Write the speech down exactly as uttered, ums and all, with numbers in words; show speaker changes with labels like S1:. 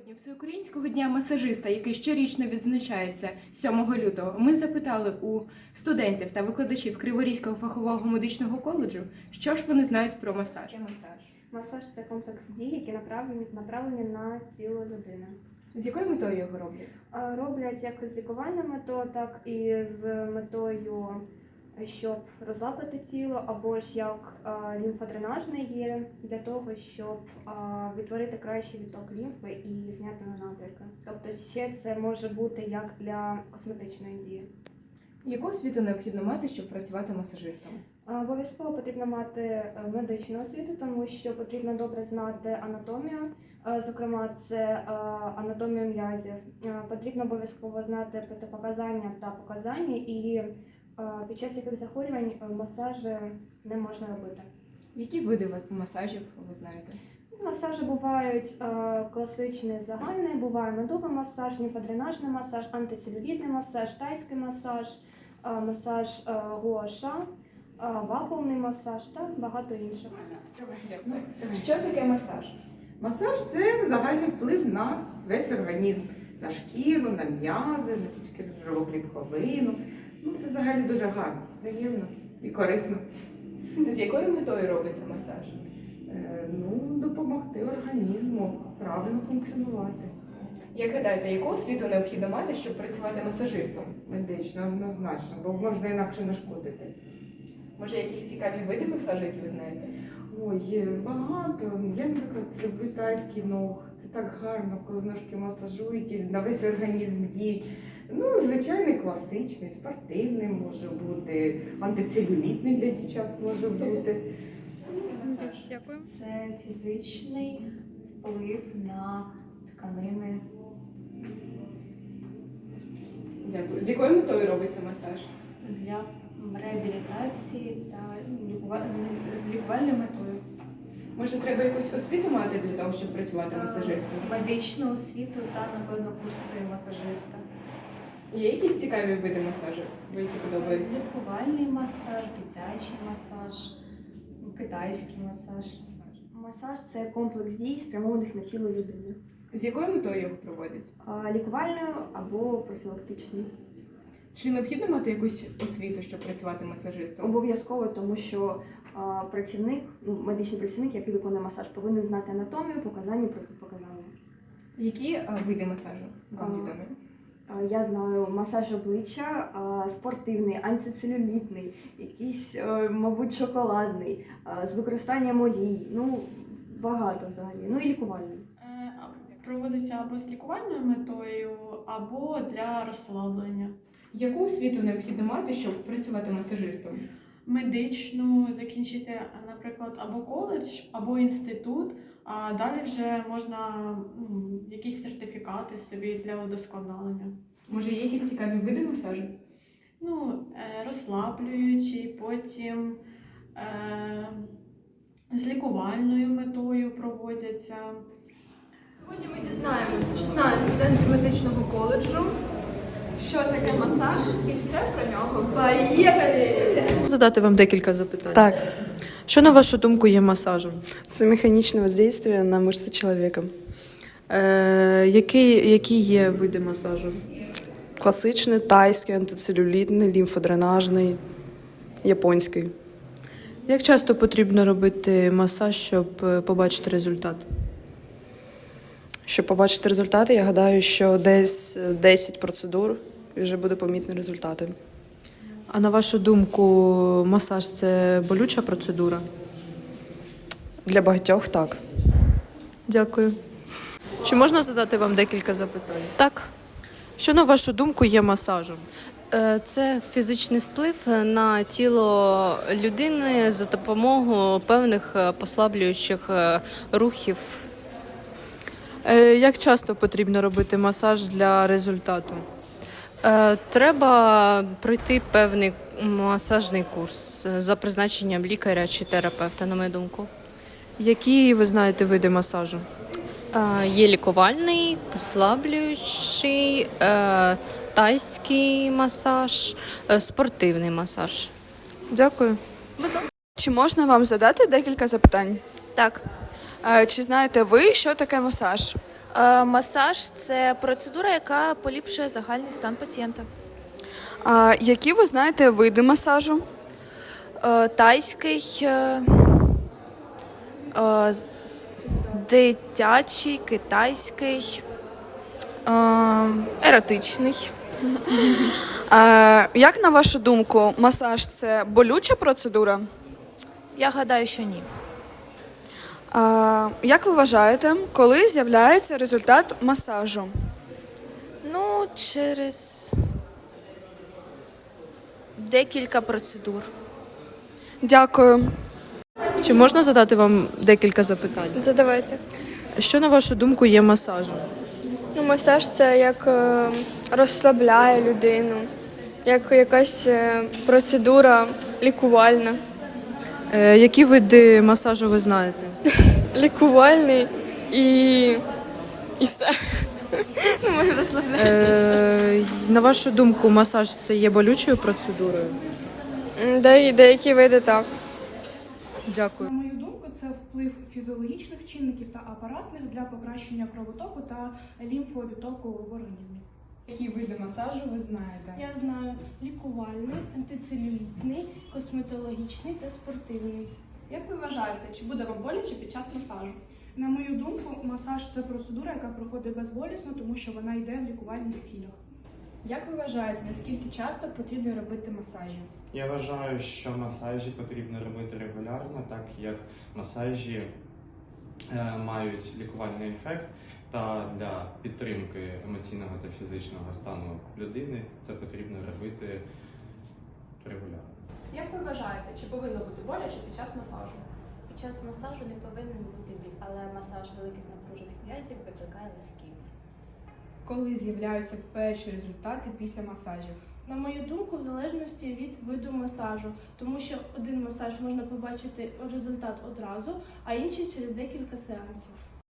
S1: Напередодні Всеукраїнського дня масажиста, який щорічно відзначається сьомого лютого, ми запитали у студентів та викладачів Криворізького фахового медичного коледжу, що ж вони знають про масаж.
S2: Масаж. Масаж – це комплекс дій, які направлені, направлені на тіло людини.
S1: З якою метою його роблять?
S2: А, Роблять як з лікувальною метою, так і з метою, щоб розслабити тіло, або ж як а, лімфодренажний є для того, щоб а, відтворити кращий відток лімфи і зняти набряки. Тобто ще це може бути як для косметичної дії.
S1: Яку освіту необхідно мати, щоб працювати масажистом?
S2: Обов'язково потрібно мати медичну освіту, тому що потрібно добре знати анатомію, зокрема це анатомію м'язів. Потрібно обов'язково знати протипоказання та показання, і під час яких захворювань масажі не можна робити.
S1: Які види масажів ви знаєте?
S2: Масажі бувають класичний загальний, буває медовий масаж, лімфодренажний масаж, антицелюлітний масаж, тайський масаж, масаж гуаша, вакуумний масаж та багато інших.
S1: Дякую. Що таке масаж?
S3: Масаж – це загальний вплив на весь організм, на шкіру, на м'язи, на підшкірну клітковину. Ну, це взагалі дуже гарно, приємно і корисно.
S1: З якою метою робиться масаж?
S3: Е, ну, допомогти організму правильно функціонувати.
S1: Як гадаєте, яку освіту необхідно мати, щоб працювати масажистом?
S3: Медично, однозначно, бо можна інакше нашкодити.
S1: Може, якісь цікаві види масажу, які ви знаєте?
S3: Ой, є багато. Я, наприклад, люблю тайський ног. Це так гарно, коли ножки масажують і на весь організм діють. Ну, звичайний класичний, спортивний може бути, антицелюлітний для дівчат може бути.
S4: Дякую.
S5: Це фізичний вплив на тканини.
S1: Дякую. З якою метою робиться масаж?
S5: Для реабілітації та лікува- з- з лікувальною метою.
S1: Може, треба якусь освіту мати для того, щоб працювати масажистом?
S5: Медичну освіту та, напевно, курси масажиста.
S1: Є якісь цікаві види масажу, які подобаються?
S5: Лікувальний масаж, дитячий масаж, китайський масаж.
S2: Масаж – це комплекс дій, спрямованих на тіло людини.
S1: З якою метою його проводять?
S2: Лікувальною або профілактичною.
S1: Чи необхідно мати якусь освіту, щоб працювати масажистом?
S2: Обов'язково, тому що а, працівник, ну, медичний працівник, який виконує масаж, повинен знати анатомію, показання, протипоказання.
S1: Які а, види масажу вам
S2: А,
S1: відомі?
S2: А, Я знаю масаж обличчя, а, спортивний, антицелюлітний, якийсь, е, мабуть, шоколадний, а, з використанням олій, ну, багато взагалі, ну і лікувальний.
S4: Е, Проводиться або з лікувальною метою, або для розслаблення.
S1: Яку освіту необхідно мати, щоб працювати масажистом?
S4: Медичну закінчити, наприклад, або коледж, або інститут, а далі вже можна ну, якісь сертифікати собі для удосконалення.
S1: Може, є якісь цікаві види масажу?
S4: Ну, е, розслаблюючий, потім е, з лікувальною метою проводяться.
S6: Сьогодні ми дізнаємося, чи знають студенти медичного коледжу, що таке масаж, і все про нього. Поїхали!
S7: Задати вам декілька запитань.
S8: Так,
S7: Що, на вашу думку, є масажем?
S8: це механічне воздействие на мышцы человека.
S7: Е, які, які є види масажу?
S8: Класичний, тайський, антицелюлітний, лімфодренажний, японський.
S7: Як часто потрібно робити масаж, щоб е, побачити результат?
S8: Щоб побачити результати, я гадаю, що десь десять процедур і вже буде помітні результати.
S7: А на вашу думку, масаж – це болюча процедура?
S8: Для багатьох так.
S7: Дякую. Чи можна задати вам декілька запитань?
S9: Так,
S7: Що, на вашу думку, є масажем?
S9: е, це фізичний вплив на тіло людини за допомогою певних е, послаблюючих е, рухів.
S7: Е, Як часто потрібно робити масаж для результату?
S9: Е, Треба пройти певний масажний курс е, за призначенням лікаря чи терапевта, на мою думку.
S7: Які ви знаєте види масажу?
S9: Е, Є лікувальний, послаблюючий, е, тайський масаж, е, спортивний масаж.
S7: Дякую.
S8: Чи можна вам задати декілька запитань?
S7: Так.
S8: Е, Чи знаєте ви, що таке масаж?
S10: Е, Масаж це процедура, яка поліпшує загальний стан пацієнта.
S8: А які ви знаєте види масажу?
S10: Е, Тайський, е, е, з- дитячий, китайський, е, еротичний.
S8: А, як на вашу думку, масаж це болюча процедура?
S10: Я гадаю, що ні.
S8: А, як ви вважаєте, коли з'являється результат масажу?
S10: Ну, через декілька процедур.
S8: Дякую.
S7: Чи можна задати вам декілька запитань?
S11: Задавайте.
S7: Що, на вашу думку, є масажем?
S11: Ну, масаж це як е, розслабляє людину, як якась е, процедура лікувальна.
S7: Е, які види масажу ви знаєте?
S11: Лікувальний і, і все. Ну, може розслабляти.
S7: Е, на вашу думку, масаж це є болючою процедурою?
S11: М, де- Деякі види так.
S7: Дякую.
S12: На мою думку, це вплив фізіологічних чинників та апаратних для покращення кровотоку та лімфовідтоку в організмі.
S1: Які види масажу ви знаєте?
S12: Я знаю лікувальний, антицелюлітний, косметологічний та спортивний.
S1: Як ви вважаєте, чи буде вам боляче під час масажу?
S12: На мою думку, масаж це процедура, яка проходить безболісно, тому що вона йде в лікувальних цілях.
S1: Як ви вважаєте, наскільки часто потрібно робити масажі?
S13: Я вважаю, що масажі потрібно робити регулярно, так як масажі е, мають лікувальний ефект, та для підтримки емоційного та фізичного стану людини це потрібно робити регулярно.
S1: Як ви вважаєте, чи повинно бути боляче під час масажу?
S14: Під час масажу не повинен бути біль, але масаж великих напружених м'язів викликає легкий.
S1: Коли з'являються перші результати після масажів?
S12: На мою думку, в залежності від виду масажу, тому що один масаж можна побачити результат одразу, а інший через декілька сеансів.